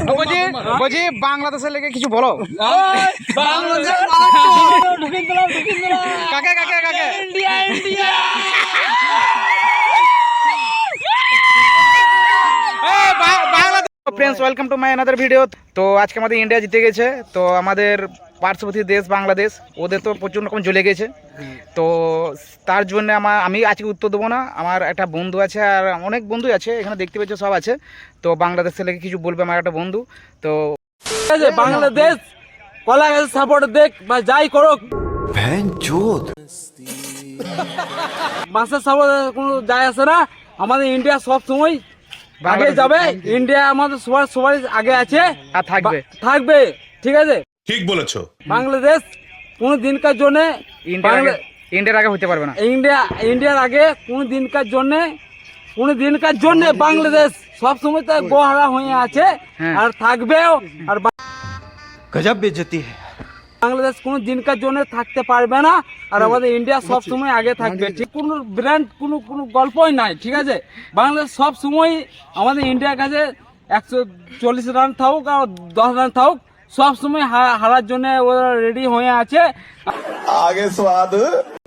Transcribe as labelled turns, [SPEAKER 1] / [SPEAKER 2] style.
[SPEAKER 1] বলছি বাংলাদেশের লেগে কিছু বলো। কাকে কাকে কাকে friends welcome to my another video. तो आज के আমাদের ইন্ডিয়া জিতে গেছে। তো আমাদের পার্শ্ববর্তী দেশ বাংলাদেশ ওদের তো প্রচুর রকম জ্বলে গেছে। তো তার জন্য আমি আজকে উত্তর দেবো না। আমার একটা বন্ধু আছে আর অনেক বন্ধুই আছে এখানে দেখতে পাচ্ছ সব আছে। তো বাংলাদেশের লেগে কিছু বলবে আমার একটা বন্ধু। তো
[SPEAKER 2] বাংলাদেশ কলা গাছ সাপোর্ট দেখ বা যাই করুক বাসের সাপোর্ট কোনো যায় আসে না। আমাদের ইন্ডিয়া সব সময় আগে যাবে। ইন্ডিয়া আমাদের সবার আগে আছে
[SPEAKER 1] আর
[SPEAKER 2] থাকবে ঠিক আছে।
[SPEAKER 3] ঠিক বলেছো।
[SPEAKER 2] বাংলাদেশ কোনো দিনকার জন্য
[SPEAKER 1] ইন্ডিয়ার আগে হতে পারবে না।
[SPEAKER 2] ইন্ডিয়ার আগে কোনো দিনকার জন্য বাংলাদেশ সব সময় তো গোহারা হয়ে আছে আর থাকবেও। আর
[SPEAKER 4] গজব বেইজ্জতি
[SPEAKER 2] বাংলাদেশ কোনো দিনকার জন্য থাকতে পারবে না আর আমাদের ইন্ডিয়া সব সময় আগে থাকবে। ঠিক কোনো ব্র্যান্ড কোনো গল্পই নাই ঠিক আছে। বাংলাদেশ সব সময় আমাদের ইন্ডিয়ার কাছে 140 রান থাকুক আর 10 রান থাকুক সব সময় হারার জন্য ওরা রেডি হয়ে আছে।
[SPEAKER 4] আগে স্বাদ